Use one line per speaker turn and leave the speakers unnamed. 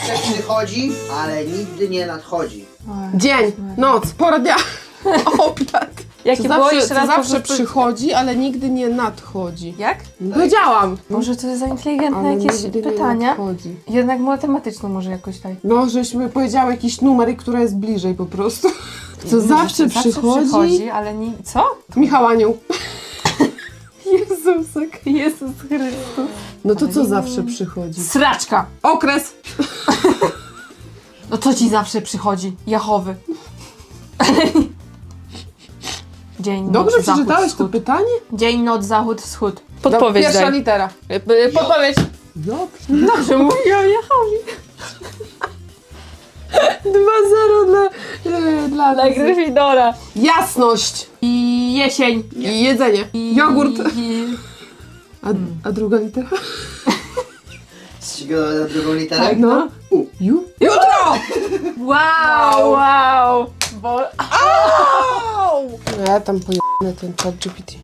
zawsze przychodzi, ale nigdy nie nadchodzi.
Dzień, noc, pora dnia, obiad.
Jakie było jeszcze raz?
zawsze przychodzi, ale nigdy nie nadchodzi.
Jak?
Powiedziałam.
Może to jest za inteligentne
Ale
jakieś
nigdy nie
pytania?
nadchodzi.
Jednak matematyczną może jakoś tak.
No, żeśmy powiedziały jakiś numer, i która jest bliżej po prostu. Co zawsze przychodzi.
ale nie... Co?
Michał Anioł. Jezusek.
Jezus Chrystus.
No to co zawsze przychodzi?
Sraczka!
Okres.
No co ci zawsze przychodzi? Jachowy. Dzień,
Dobrze
noc, zachód,
przeczytałeś to
wschód.
pytanie?
Dzień, noc, zachód, wschód.
Pierwsza litera.
Podpowiedź.
Dobrze.
Dobrze mówię o Jachowie.
2-0 dla
Gryffindora.
Jasność.
I jesień.
I jedzenie. Jogurt. A druga litera?
Ścigamy na drugą literę?
Tak, no. Jutro!
Wow! Bo...
No ja tam pojebane ten chat GPT.